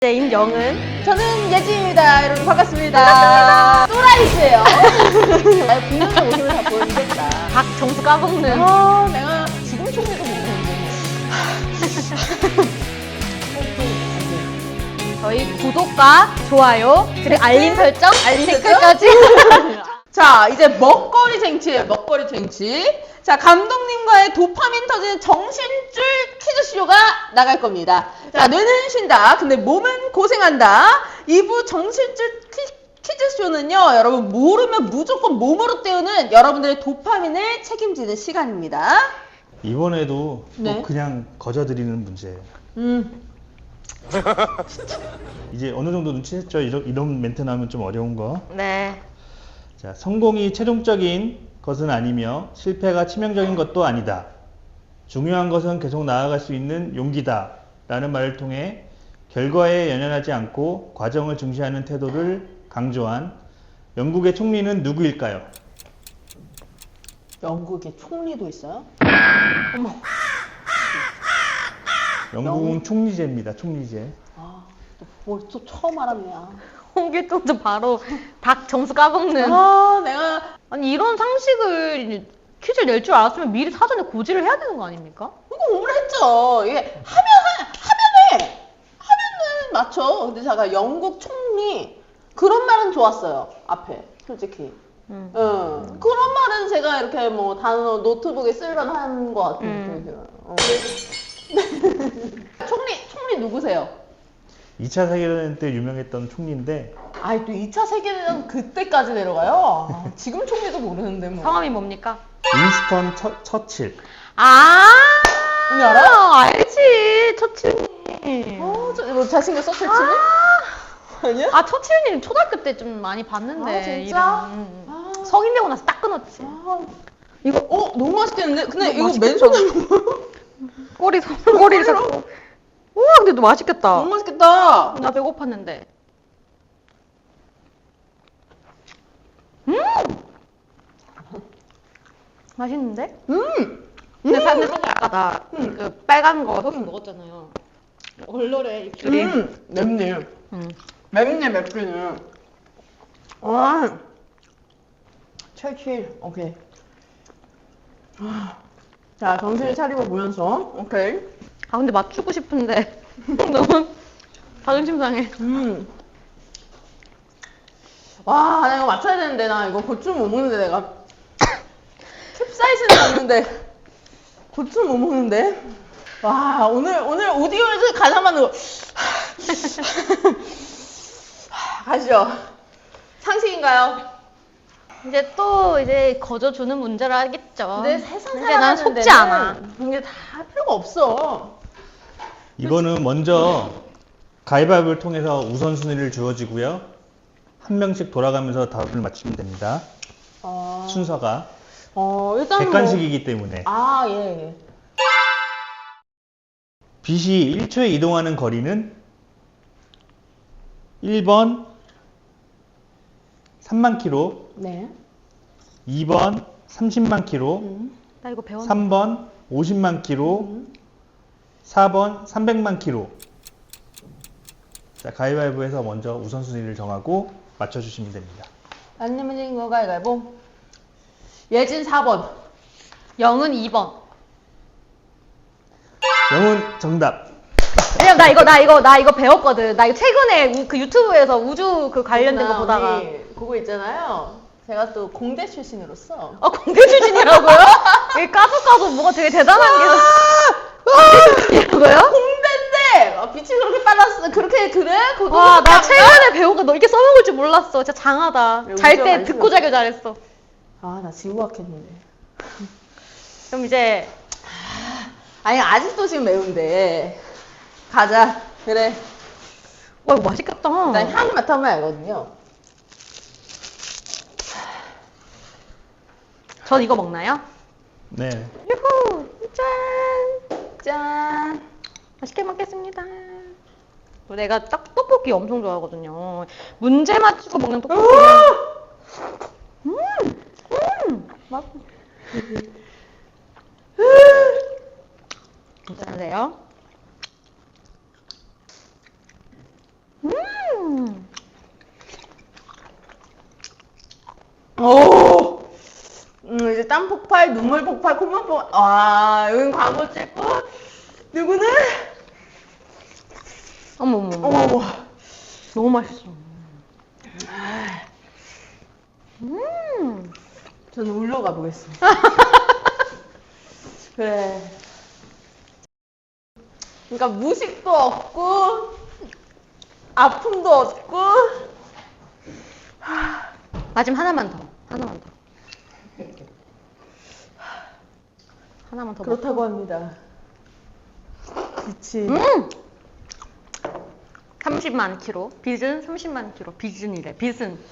임영은. 저는 예지입니다. 여러분 반갑습니다. 또라이즈예요. 분명히 모습을 다 보여주겠다. 박정수 까먹는. 내가 지금 총리도 모르는데. 저희 구독과 좋아요 그리고 알림 설정, 댓글까지. 자, 이제 먹거리 쟁취예요. 먹거리 쟁취. 자, 감독님과의 도파민 터지는 정신줄 퀴즈쇼가 나갈 겁니다. 자, 뇌는 쉰다. 근데 몸은 고생한다. 2부 정신줄 퀴즈쇼는요, 여러분 모르면 무조건 몸으로 때우는 여러분들의 도파민을 책임지는 시간입니다. 이번에도 네. 또 그냥 거저드리는 문제예요. 이제 어느 정도 눈치챘죠? 이런 멘트 나오면 좀 어려운 거. 네. 자, 성공이 최종적인 것은 아니며 실패가 치명적인 것도 아니다. 중요한 것은 계속 나아갈 수 있는 용기다. 라는 말을 통해 결과에 연연하지 않고 과정을 중시하는 태도를 강조한 영국의 총리는 누구일까요? 영국에 총리도 있어요? 영국은 총리제입니다. 총리제. 아, 또 처음 알았네요. 홍길동도 바로 박정수 까먹는. 내가 아니 이런 상식을 퀴즈를 낼 줄 알았으면 미리 사전에 고지를 해야 되는 거 아닙니까? 이거 오늘 했죠. 이게 하면은 맞죠. 근데 제가 영국 총리 그런 말은 좋았어요. 앞에 솔직히. 그런 말은 제가 이렇게 뭐 단어 노트북에 쓸만 한 것 같은 느낌이 들어요. 총리 누구세요? 2차 세계대전 때 유명했던 총리인데 아이 또 2차 세계대전 그때까지 내려가요? 지금 총리도 모르는데 뭐. 성함이 뭡니까? 윈스턴 처칠. 언니 알아? 알지. 처칠님. 뭐 자신감 서칠치니? 아니야? 아, 처칠님 초등학교 때 좀 많이 봤는데. 진짜? 이름. 성인 되고 나서 딱 끊었지. 이거 너무 맛있겠는데? 근데 이거 맛있겠다. 맨손으로 꼬리를 잡고. 우와, 근데 너 맛있겠다. 너무 맛있겠다. 나 배고팠는데. 맛있는데? 근데 사실 아까 나 그 빨간 거 소스 먹었잖아요. 얼얼해 입술이. 맵네. 맵네, 맵기는. 칠칠. 오케이. 자, 정신을 차리고 보면서. 오케이. 아 근데 맞추고 싶은데 너무 자존심 상해. 와, 나 이거 맞춰야 되는데, 나 이거 고추 못 먹는데, 내가. 캡사이신은 먹는데, 고추 못 먹는데. 와, 오늘 오디오에서 가장 많은 거. 가시죠. 상식인가요? 이제 거저 주는 문제를 하겠죠. 근데 세상 근데 난 속지 살아가는 않아. 데는 그게 다 필요가 없어. 이거는 먼저 가위바위보를 통해서 우선순위를 주어지고요. 한 명씩 돌아가면서 답을 맞추면 됩니다. 순서가 일단 객관식이기 때문에. 예. 빛이 1초에 이동하는 거리는 1번 3만 킬로, 네. 2번 30만 킬로, 나 이거 배웠는데. 3번 50만 킬로, 4번 300만 킬로. 자, 가위바위보에서 먼저 우선순위를 정하고 맞춰주시면 됩니다. 안 내면 되는 거 가위바위보. 예진 4번. 영은 2번. 영은 정답. 왜냐면 나 이거 배웠거든. 나 이거 최근에 그 유튜브에서 우주 그 관련된 거 보다가. 언니, 그거 있잖아요. 제가 또 공대 출신으로서. 공대 출신이라고요? 이게 까도 뭐가 되게 대단한 게. 이라고요? 공대인데 빛이 그렇게 빨랐어. 그래? 그거 와, 나 안 최근에 배운 거 너 이렇게 써먹을 줄 몰랐어. 진짜 장하다. 왜 잘 우주가 때 안 듣고 자길 잘했어. 나 지구학했는데. 그럼 이제 아니 아직도 지금 매운데. 가자. 그래. 와 이거 맛있겠다. 일단 향이 맡아보면 알거든요. 전 이거 먹나요? 네. 유후! 짠! 짠. 맛있게 먹겠습니다. 내가 떡볶이 엄청 좋아하거든요. 문제 맞추고 먹는 떡볶이. 맛. 괜찮으세요? 땀 폭발, 눈물 폭발, 콧물 폭발. 아, 여긴 광고 찍고. 누구는? 어머머. 어머. 너무 맛있어. 저는 울러 가보겠습니다. 그래. 그러니까 무식도 없고 아픔도 없고. 마지막 하나만 더. 하나만 더. 하나만 더. 그렇다고 합니다. 그치. 30만 킬로. 빚은 30만 킬로. 빚은이래. 빚은.